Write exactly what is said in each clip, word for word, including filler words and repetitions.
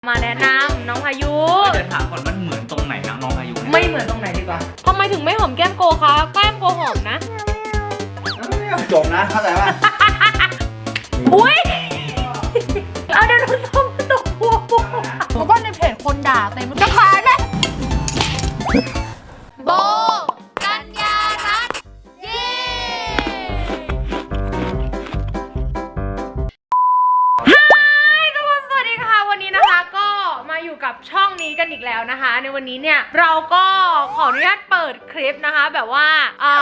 มาแนะนำน้องพายุเดี๋ยวถามก่อนมันเหมือนตรงไหนนะน้องพายุไม่เหมือนตรงไหนดีกว่าทำไมถึงไม่หอมแก้มโกคะแก้มโกหอมนะจบนะเข้าใจป่ะอุ้ยเอาเดี๋ยวน้องส้มตกหัวผมว่าในเพจคนด่าเต็มจะขายไหมโบกัญญารัตน์เย้อยู่กับช่องนี้กันอีกแล้วนะคะในวันนี้เนี่ยเราก็ขออนุญาตเปิดคลิปนะคะแบบว่าอ่า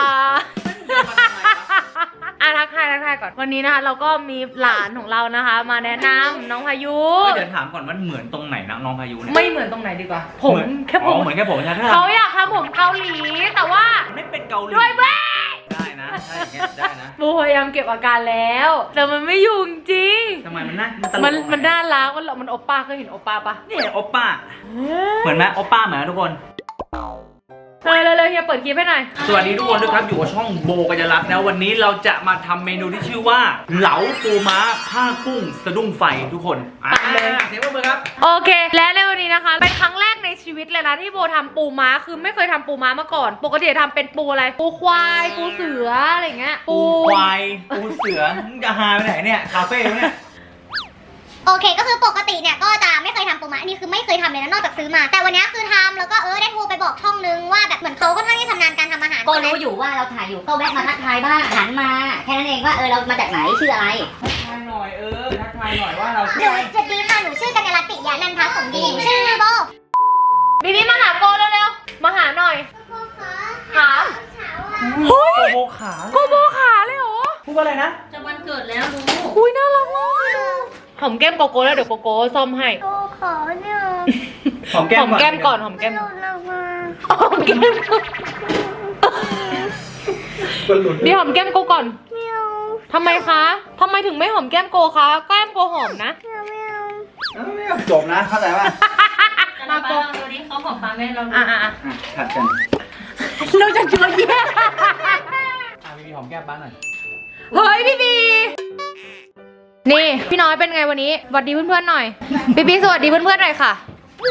อ่ะทักทายทักทายก่อนวันนี้นะคะเราก็มีหลานของเรานะคะมาแนะนำน้องพายุเดี๋ยวถามก่อนมันเหมือนตรงไหนนะน้องพายุเนี่ยไม่เหมือนตรงไหนดีกว่าผมแค่ผมเหมือนแค่ผมใช่ไหมเขาอยากทำผมเกาหลีแต่ว่าไม่เป็นเกาหลีด้วยแม่ได้นะใช่อย่างเงี้ยได้นะบูพยายามเก็บอาการแล้วแต่มันไม่อยู่จริงทำไมมันน่ามันมันน่ารักมันมันโอป้าเคยเห็นโอป้าปะนี่โอป้าเหมือนไหมโอป้าเหมือนทุกคนเลยเลยเลยเฮียเปิดคลิปให้หน่อยสวัสดีทุกคนด้วยครับอยู่กับช่องโบกัญญารัตน์นะวันนี้เราจะมาทำเมนูที่ชื่อว่าเหลาปูม้าผ้ากุ้งสะดุ้งไฟทุกคนอ่าเสียงปรบมือครับโอเคและในวันนี้นะคะเป็นครั้งแรกในชีวิตเลยนะที่โบทำปูม้าคือไม่เคยทำปูม้ามาก่อนปกติทำเป็นปูอะไรปูควายปูเสืออะไรเงี้ยปูควายปูเสือมึงจะหาไปไหนเนี่ยคาเฟ่เนี่ยโอเคก็คือปกติเนี่ยก็จะไม่เคยทำปูม้าอันนี้คือไม่เคยทำเลยนะนอกจากซื้อมาแต่วันนี้คือทำแล้วก็เออได้โทรไปบอกช่องนึงว่าแบบเหมือนเขาก็ท่านที่ชำนาญการทำอาหารก็รู้อยู่ว่าเราถ่ายอยู่ก็แวะมาทักทายบ้างหันมาแค่นั้นเองว่าเออเรามาจากไหนชื่ออะไรทักทายหน่อยเออทักทายหน่อยว่าเราหนูสวัสดีค่ะหนูชื่อกัญญารัตน์ปิยะนันทสมดีชื่อโบบีบีมาหาโกเร็วๆมาหาหน่อยขาโกโบขาโกโบขาเลยเหรอพูดว่าอะไรนะจะวันเกิดแล้วรู้อุ้ยน่ารักมากหอมแก้มโกโก้แล้วเดี๋ยวโกโก้ซ่อมให้โอ้ขอเนี่ยหอมแก้มหอมแก้มก่อนหอมแก้มหอมแก้มเดี๋ยวหอมแก้มโกก่อนทำไมคะทำไมถึงไม่หอมแก้มโกคะแก้มโกหอมนะจบนะเข้าใจป่ะมาโกตัวนี้เขาหอมปากแม่เราอ่ะอ่ะขัดกันเราจะเจอแย่อ่ะพี่บีหอมแก้มบ้านหน่อยเฮ้ยพี่บีนี่พี่น้อยเป็นไงวันนี้สวัสดีเพื่อนๆหน่อยพี่บีสวัสดีเพื่อนๆหน่อยค่ะ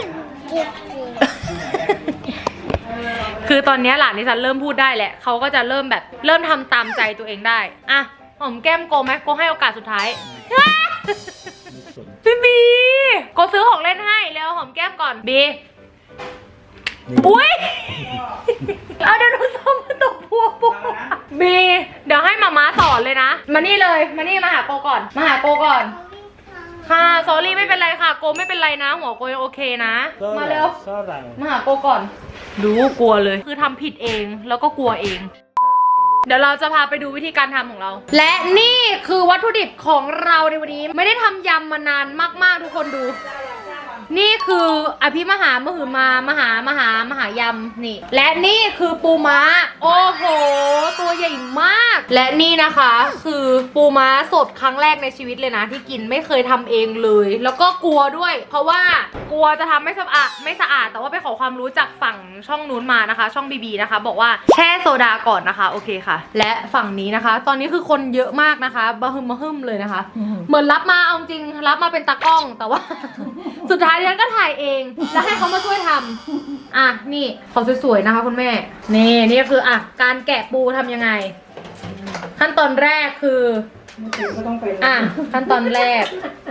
คือตอนนี้หลานดิฉันเริ่มพูดได้แหละเขาก็จะเริ่มแบบเริ่มทำตามใจตัวเองได้อ่ะหอมแก้มโกไหมโกให้โอกาสสุดท้ายพี่บีโกซื้อของเล่นให้แล้วหอมแก้มก่อนบีอุ้ยเอาเดี๋ยวน้องส้มตกหัวปุ๊บบีเดี๋ยวให้มาม้าสอนเลยนะมานี่เลยมานี่มาหาโกก่อนมาหาโกก่อนค่ะสอรี่ไม่เป็นไรค่ะโกไม่เป็นไรนะหัวโกยังโอเคนะมาเร็วมาหาโกก่อนรู้กลัวเลยคือทำผิดเองแล้วก็กลัวเองเดี๋ยวเราจะพาไปดูวิธีการทำของเราและนี่คือวัตถุดิบของเราในวันนี้ไม่ได้ทำยำมานานมากๆทุกคนดูนี่คืออภิมหามหือมามหามหามหายำนี่และนี่คือปูม้าโอ้โหตัวใหญ่มากและนี่นะคะคือปูม้าสดครั้งแรกในชีวิตเลยนะที่กินไม่เคยทำเองเลยแล้วก็กลัวด้วยเพราะว่ากลัวจะทำไม่สะอาดไม่สะอาดแต่ว่าไปขอความรู้จากฝั่งช่องนู้นมานะคะช่องบีบีนะคะบอกว่าแช่โซดาก่อนนะคะโอเคค่ะและฝั่งนี้นะคะตอนนี้คือคนเยอะมากนะคะบะฮึมบะฮึมเลยนะคะเหมือนรับมาเอาจริงรับมาเป็นตากล้องแต่ว่าสุดท้ายฉันก็ถ่ายเองแล้วให้เขามาช่วยทำอ่ะนี่เขาสวยๆนะคะคุณแม่นี่นี่คืออ่ะการแกะปูทำยังไงขั้นตอนแรกคืออ่ะขั้นตอนแรก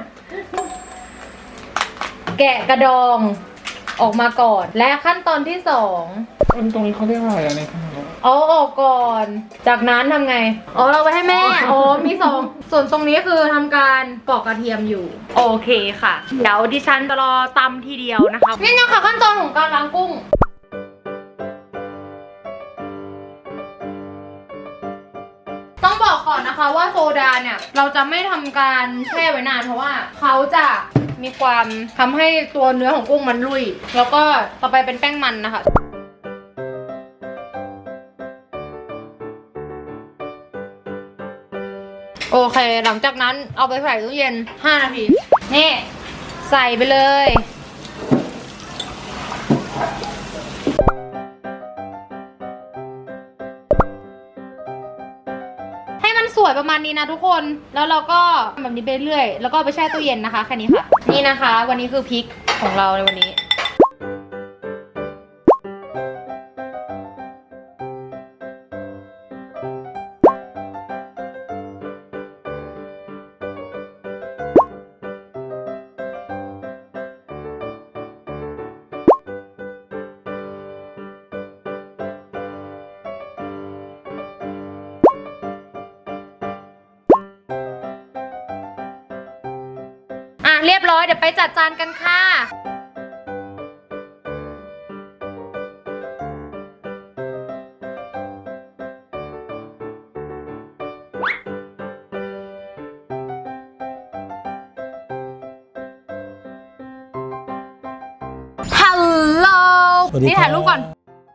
แกะกระดองออกมาก่อนและขั้นตอนที่สองตรงนี้เขาเรียกว่าอะไรอะไรเอาออกก่อนจากนั้นทำไงอ๋อเราไปให้แม่อ๋อมีสองส่วนตรงนี้คือทำการปอกกระเทียมอยู่โอเคค่ะเดี๋ยวดิฉันจะรอตำทีเดียวนะคะนี่นะคะขั้นตอนของการล้างกุ้งต้องบอกก่อนนะคะว่าโซดาเนี่ยเราจะไม่ทำการแช่ไว้นานเพราะว่าเขาจะมีความทำให้ตัวเนื้อของกุ้งมันลุยแล้วก็ต่อไปเป็นแป้งมันนะคะโอเคหลังจากนั้นเอาไปใส่ตู้เย็นห้านาทีนี่ใส่ไปเลยให้มันสวยประมาณนี้นะทุกคนแล้วเราก็แบบนี้ไปเรื่อยแล้วก็ไปแช่ตู้เย็นนะคะแค่นี้ค่ะนี่นะคะวันนี้คือพริกของเราในวันนี้อ่ะเรียบร้อยเดี๋ยวไปจัดจานกันค่ะฮัลโหลสวัสดีนี่ครับถ่ายรูปก่อน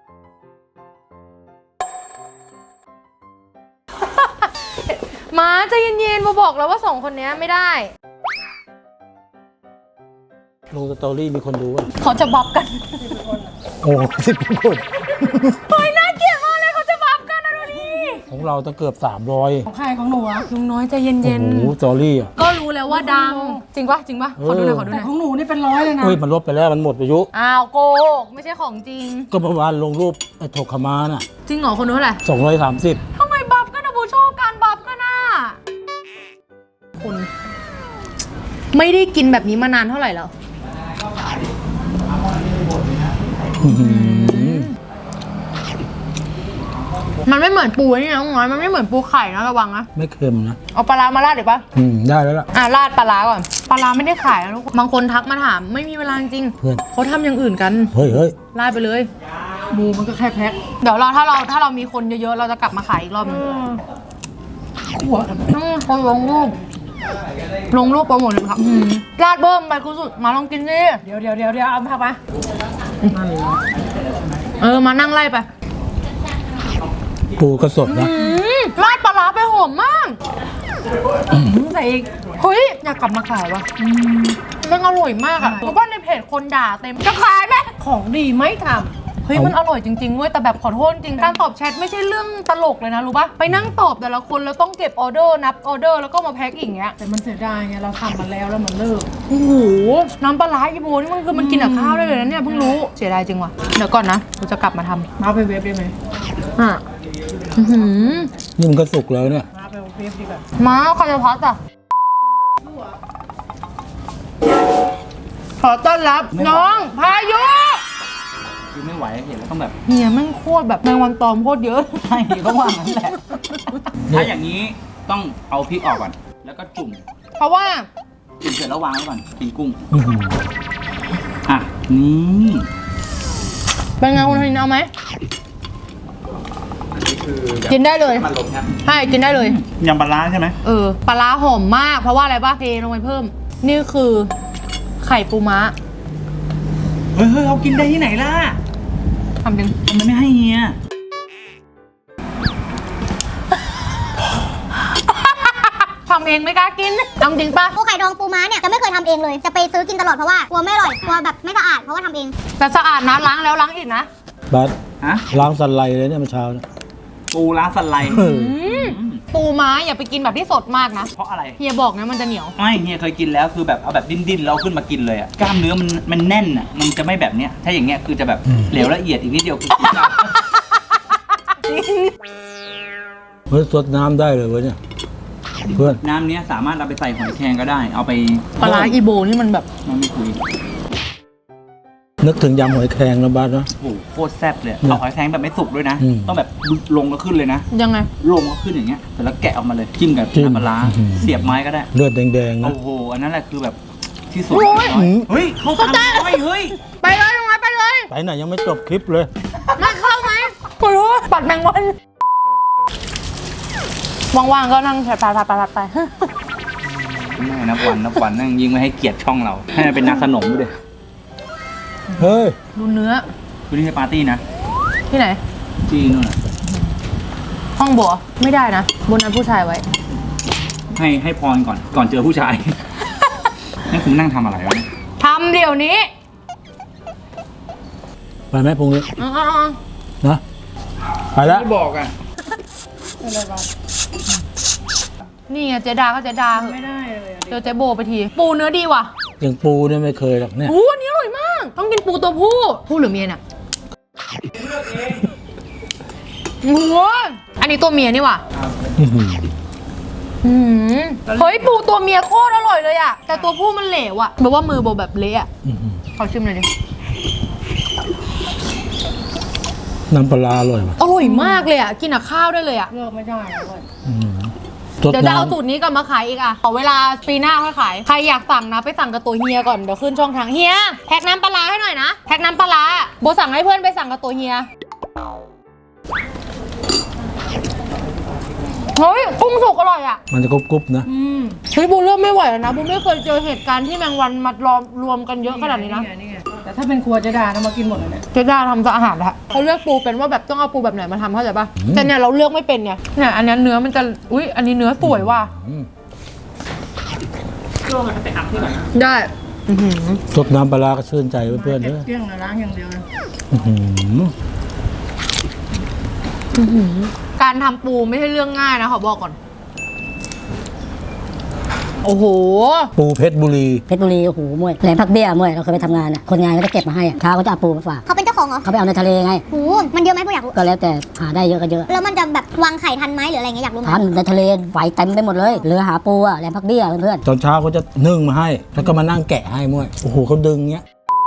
มาใจเย็นๆมาบอกแล้วว่าสองคนนี้ไม่ได้ลงสตอรี่มีคนดูอ่ะเขาจะบับกันโอ้สิบคนเฮ้ยน่าเกลียดมากเลยเขาจะบับกันนะดูดิของเราต้องเกือบสามร้อยของใครของหนูอะลุงน้อยใจเย็โอ้นโหสตอรี่อ่ะๆก็รู้แล้วว่าดัง จริงปะจริงปะขอดูหน่อยขอดูหแต่น่อยของหนูนี่เป็นร้อยเลยนะเฮ้ยมันลบไปแล้วมันหมดอายุอ้าวโกหกไม่ใช่ของจริงก็เมื่อวานลงรูปไอ้ถกขมาน่ะจริงเหรอคนนู้นเท่าไหร่สองร้อยสามสิบทำไมบับกันนะบูชอบการบับกันอ่ะคุณไม่ได้กินแบบนี้มานานเท่าไหร่แล้ว มันไม่เหมือนปูนี่นะน้องน้อยมันไม่เหมือนปูไข่นะระวังนะไม่เค็มนะเอาปลาร้ามาราดเดี๋ยวปะอืมได้แล้วล่ะอ่ะราดปลาร้าก่อนปลาร้าไม่ได้ขายนะทุกคนบางคนทักมาถามไม่มีเวลาจริงเพื่อนเขาทำอย่างอื่นกันเฮ้ยเฮ้ยราดไปเลยหมูมันก็แค่แพ็คเดี๋ยวเราถ้าเราถ้าเรามีคนเยอะๆเราจะกลับมาขายอีกรอบนึงขวดอืมคนลงรูปลงรูปโปรโมทเลยครับอืมราดเบิ้มไปกูสุดมาลองกินดิเดี๋ยวเดี๋ยวเดี๋ยวเดี๋ยวเอาผักมาเออมานั่งไล่ไปปูก็สดนะอืมราดปลาร้าไปหอมมากใส่อีกเฮ้ยอยากกลับมาขายวะมันอร่อยมากอะเพราะว่าในเพจคนด่าเต็มจะขายไหมของดีไม่ทเฮ้ยมันอร่อยจริงๆเว้ยแต่แบบขอโทษจริงการตอบแชทไม่ใช่เรื่องตลกเลยนะรู้ปะไปนั่งตอบแต่ละคนแล้วต้องเก็บออเดอร์นับออเดอร์แล้วก็มาแพ็คอีกอย่างเงี้ยำแต่มันเสียดายไงเราทำมาแล้วแล้วมันเลิกโอ้โหน้ำปลาร้าอีโบนี่มันคือมันกินกับข้าวได้เลยนะเนี่ยเพิ่งรู้เสียดายจริงว่ะเดี๋ยวก่อนนะกูจะกลับมาทำมาไปเวฟได้ไหมอ่ะอื้อหือนี่มันก็สุกแล้วเนี่ยมาไปเวฟดีกว่ามาคาราพัสอ่ะขอต้อนรับน้องพายุคือไม่ไหวเห็นแล้วต้องแบบเฮียแม่งโคตรแบบแมงวันตอมโคตรเยอะใช่ต้องว่างั้นแหละ ถ้าอย่างนี้ต้องเอาพริกออกก่อน แล้วก็จุ่มเพราะว่าจุ่มเสร็จแล้ววางไว้ก่อนกินกุ้งอื้อหืออ่ะ นี่เป็นไงคุณธนินเอาไหมกินได้เลยมันลมครับใช่กินได้เลยยำปลาร้าใช่ไหมเออปลาร้าหอมมากเพราะว่าอะไรป่ะเทลงไปเพิ่ม นี่คือไข่ปูม้าเฮ้ยเฮ้ยเรากินได้ที่ไหนล่ะทำจริงทำไมไม่ให้เฮียทำเองไม่กล้ากินทำจริงป่ะปูไข่ดองปูม้าเนี่ยจะไม่เคยทำเองเลย จะไปซื้อกินตลอดเพราะว่ากลัวไม่อร่อยกลัวแบบไม่สะอาดเพราะว่าทำเองแต่สะอาดนะล้างแล้วล้างอีกนะบัสฮะล้างสันไลเลยเนี่ยเมื่อเช้าเนี่ยปูร้านสไลด์เอออืมปูม้าอย่าไปกินแบบที่สดมากนะเพราะอะไรเฮียบอกนะมันจะเหนียวไม่เฮียเคยกินแล้วคือแบบเอาแบบดิ้นๆแล้วขึ้นมากินเลยอะกล้ามเนื้อมันมันแน่นอะมันจะไม่แบบเนี้ย ถ้าอย่างเงี้ยคือจะแบบเหลวละเอียดอีกนิดเดียวคือกินได้เฮ้ยสดน้ำได้เลยเว้ยเนี่ยเพื่อนน้ำเนี้ยสามารถเอาไปใส่หอยแครงก็ได้ เอาไปปลาร้าอีโบนี่มันแบบมันไม่คุยนึกถึงยำหอยแครงนะบัสนะโอ้โหโคตรแซ่บเลยเอาหอยแครงแบบไม่สุกด้วยนะอืมต้องแบบลงก็ขึ้นเลยนะยังไงลงก็ขึ้นอย่างเงี้ยเสร็จแล้วแกะออกมาเลยจิ้มกับจิ้มน้ำปลาร้าอืมเสียบไม้ก็ได้เลือดแดงๆนะโอ้โหอันนั้นแหละคือแบบที่สุดโอ้ยน้อยเฮ้ยเขาตามน้อยเฮ้ยไปเลยลงมาไปเลยไปไหนยังไม่จบคลิปเลยมาเข้าไหมกูรู้ปัดแมงวันว่างๆก็นั่งแผลไปไปไปไปไม่นับวันนับวันนั่งยิงไม่ให้เกียรติช่องเรา ให้มันเป็นนักขนมด้วยเฮ้ยดูเนื้อคือที่ปาร์ตี้นะที่ไหนที่นู่นน่ะห้องบัวไม่ได้นะบนนั้นผู้ชายไว้ให้ให้พรก่อนก่อนเจอผู้ชาย นั่นคุณนั่งทำอะไรวะเนี่ยทำเดี๋ยวนี้ไปไหมพรุ่งนี้อ๋อนะไปแล้วไม่บอกอ่ะนี่ไงเจดาก็เจดาเหอะไม่ได้เลยอะเจอเจโบไปที ปูเนื้อดีว่ะอย่างปูเนี่ยไม่เคยหรอกเนี่ยอู้อันนี้อร่อยากต้องกินปูตัวผู้ผู้หรือเมียเนี่ยโอ้โหอันนี้ตัวเมียนี่ว่ะอื้อหืออืมเฮ้ยปูตัวเมียโคตรอร่อยเลยอะแต่ตัวผู้มันเหลวอะแบบว่ามือโบแบบเละอะอื้อหือขอชิมหน่อยดิน้ำปลาร้าอร่อยว่ะอร่อยมากเลยอะกินกับข้าวได้เลยอะเลิกไม่ได้เลยอื้อหือสดเดี๋ยวจะเอาน้ำสูตรนี้กลับมาขายอีกอะขอเวลาปีหน้าค่อยขายใครอยากสั่งนะไปสั่งกับตัวเฮียก่อนเดี๋ยวขึ้นช่องทางเฮียแพ็คน้ำปลาร้าให้หน่อยนะแพ็คน้ำปลาร้าโบสั่งให้เพื่อนไปสั่งกับตัวเฮียเฮ้ยกุ้งสุกอร่อยอะมันจะกรุบๆนะอืมเฮ้ยบูเริ่มไม่ไหวแล้วนะบูไม่เคยเจอเหตุการณ์ที่แมงวันมารอมรวมกันเยอะขนาดนี้นะไงนี่ไงแต่ถ้าเป็นครัวเจะดานะมากินหมดเลยเนี่ยเจ๊ด้าทำอาหารแล้วเขาเลือกปูเป็นว่าแบบต้องเอาปูแบบไหนมาทำเข้าใจป่ะอืมแต่เนี่ยเราเลือกไม่เป็นเนี่ยเนี่ยอันนี้เนื้อมันจะอุ้ยอันนี้เนื้อสวยว่ะอืมช่วงนั้นไปอัพที่ไหนได้อื้อหือสดน้ำปลาร้าก็ชื่นใจเพื่อนๆเด้อเกลี้ยงเลยล้างอย่างเดียวเลยอื้อหือการทำปูไม่ใช่เรื่องง่ายนะขอบอกก่อนโอ้โหปูเพชรบุรีเพชรบุรีโอ้โหมวยแหลมพักเบี้ยมวยเราเคยไปทำงานอ่ะคนงานก็จะเก็บมาให้อะเช้าก็จะเอาปูมาฝากเขาเป็นเจ้าของเหรอเขาไปเอาในทะเลไงโหมันเยอะไหมพวกอยากรู้ก็แล้วแต่หาได้เยอะก็เยอะแล้วมันจะแบบวางไข่ทันไหมหรืออะไรเงี้ยอยากรู้ไหมทันในทะเลไหวเต็มไปหมดเลยเรือหาปูอ่ะแหลมพักเบี้ยเพื่อนตอนเช้าเขาจะนึ่งมาให้ แล้วก็มานั่งแกะให้มวยโอ้โหเขาดึงเงี้ย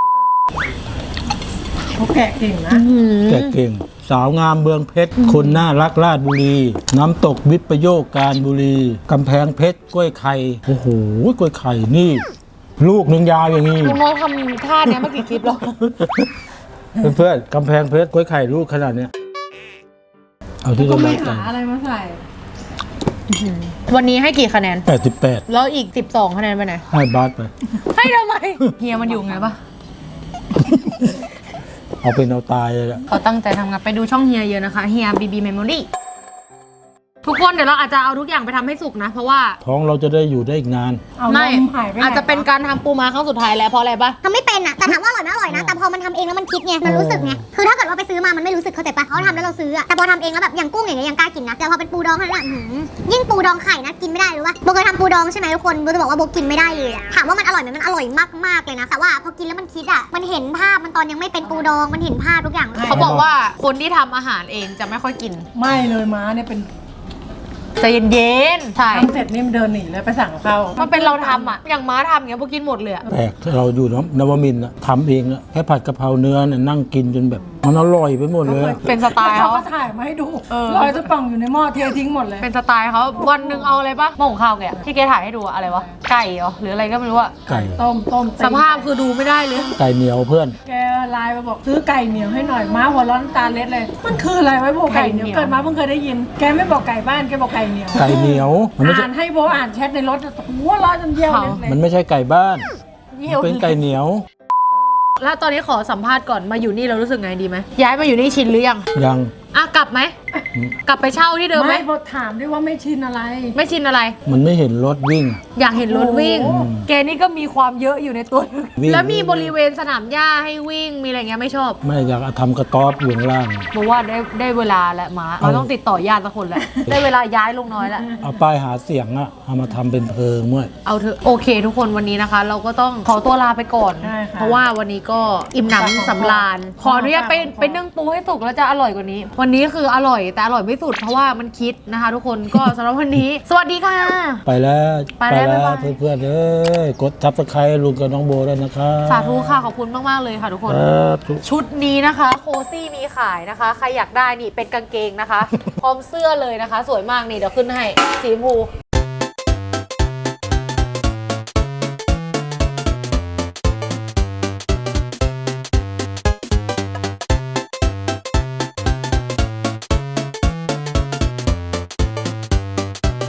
เขาแกะเก่งนะแกะเก่ง สาวงามเมืองเพชร คนน่ารักราชบุรี น้ำตกวิปโยคการบุรีกำแพงเพชรกล้วยไข่โอ้โหกล้วยไข่นี่ ลูกหนึงยาวอย่างนี้ลุงน้อยทำท่าเนี้ยมากี่คลิปแล้วเพื่อนๆกำแพงเพชรกล้วยไข่ลูกขนาดเนี้ยเอาที่ก็จะไม่ได้หาอะไรมาใส่วันนี้ให้กี่คะแนนแปดสิบแปดแล้วอีกสิบสองคะแนนไปไหนให้บาสไปให้ทำไมเฮียมันอยู่ไงปะเอาเป็นเอาตายเลยแหละเขาตั้งใจทำงานไปดูช่องเฮียเยอะนะคะเฮียบีบีเมมโมรี่ทุกคนเดี๋ยวเราอาจจะเอาทุกอย่างไปทำให้สุกนะ เพราะว่าท้องเราจะได้อยู่ได้อีกนานเอาลไม่มหายไปไหนอาจจะเป็นการทำปูม้าครั้งสุดท้ายแล้วเพราะอะไรปะทำไม่เป็นอะแต่ถามว่าอร่อยไหมอร่อยนะ แต่พอมันทำเองแล้วมันคิดไง มันรู้สึกไง คือถ้าเกิดว่าไปซื้อมา มันไม่รู้สึกเข้าใจปะเขาทำแล้วเราซื้ออะแต่พอทำเองแล้วแบบอย่างกุ้งอย่างเงี้ยยังกล้ากินนะ แต่พอเป็นปูดองเท่านั้นอะอื้อหือยิ่งปูดองไข่นะกินไม่ได้รู้ปะโบเคยทำปูดองใช่ไหมทุกคนโบจะบอกว่าโบกินไม่ได้เลยอะถามว่ามันอร่อยไหมมันอร่อยมากๆเลยนะ แต่ว่าพอกินแล้วมันคิดอะมันเห็นภาพมันตอนยังไม่เป็นปูดอง มันเห็นภาพทุกอย่างเลยเขาบอกว่าคนที่ทำอาหารเองจะไม่ค่อยกินไม่เลยม้าเนี่ยเป็นใจเย็นๆใช่ทำเสร็จนี่มันเดินหนีเลยไปสั่งกับเขามัมันเป็นเราทำอ่ะอย่างม้าทำอย่างเงี้ยพวกกินหมดเลยอะแปลกถ้าเราอยู่นวมินทร์อะทำเองอะแค่ผัดกะเพราเนื้อเนี่ยนั่งกินจนแบบมันอร่อยไปหมดเลยอะเป็นสไตล์เขาเขาก็ถ่ายมาให้ดูเออลอยตะป่องอยู่ในหม้อเททิ้งหมดเลยเป็นสไตล์เขาวันหนึ่งเอาอะไรปะหม้อหุงข้าวแกอะที่แกถ่ายให้ดูอะอะไรวะไก่เหรอหรืออะไรก็ไม่รู้อะไก่ต้มต้มตีสภาพคือดูไม่ได้เลยไก่เหนียวเพื่อนแกไลน์มาบอกซื้อไก่เหนียวให้หน่อยม้าหัวร้อนน้ำตาเล็ดเลย มันคืออะไรไว้บอกไก่เหนียวเกิดมาเพิ่งเคยได้ยิน แกไม่บอกไก่บ้านแกบอกไก่เหนียวไก่เหนียวมันไม่ใช่อ่านให้โบอ่านแชทในรถหัวเร้อนจนเยี่ยวเล็ดเลยมันไม่ใช่ไก่บ้านเยี่ยวเป็นไก่เหนียวแล้วตอนนี้ขอสัมภาษณ์ก่อนมาอยู่นี่เรารู้สึกไงดีไหมย้ายมาอยู่นี่ชินหรือยังยังอ่ะกลับไหมอืมกลับไปเช่าที่เดิมไหมไม่โบถามด้วยว่าไม่ชินอะไรไม่ชินอะไรมันไม่เห็นรถวิ่งอยากเห็นรถวิ่งโอ้แกนี่ก็มีความเยอะอยู่ในตัววิ่งแล้วมีบริเวณสนามหญ้าให้วิ่งมีอะไรเงี้ยไม่ชอบไม่อยากทำกระต๊อบอยู่ข้างล่างบอกว่าได้ได้เวลาแล้วหมาเราต้องติดต่อญาติสักคนแล้ว ได้เวลาย้ายลงน้อยแล้วเอาป้ายหาเสียงอะเอามาทำเป็นเพลิงเมื่อเอาเถอะโอเคทุกคนวันนี้นะคะ เราก็ต้องขอตัวลาไปก่อนใช่ค่ะเพราะว่าวันนี้ก็อิ่มหนำสำราญขออนุญาตไปไปนึ่งปูให้สุกแล้วจะอร่อยกว่านี้ วันนี้คืออร่อยแต่อร่อยไม่สุดเพราะว่ามันคิดนะคะ ทุกคนก็สำหรับวันนี้ สวัสดีค่ะไปแล้วไปแล้วบ๊ายบายเพื่อนๆเอ้ยกดทับสไครต์ลุงกับน้องโบด้วยนะครับสาธุค่ะขอบคุณมากๆเลยค่ะทุกคนครับชุดนี้นะคะโคซี่มีขายนะคะ ใครอยากได้นี่เป็นกางเกงนะคะ พร้อมเสื้อเลยนะคะ สวยมากนี่เดี๋ยวขึ้นให้สีชมพู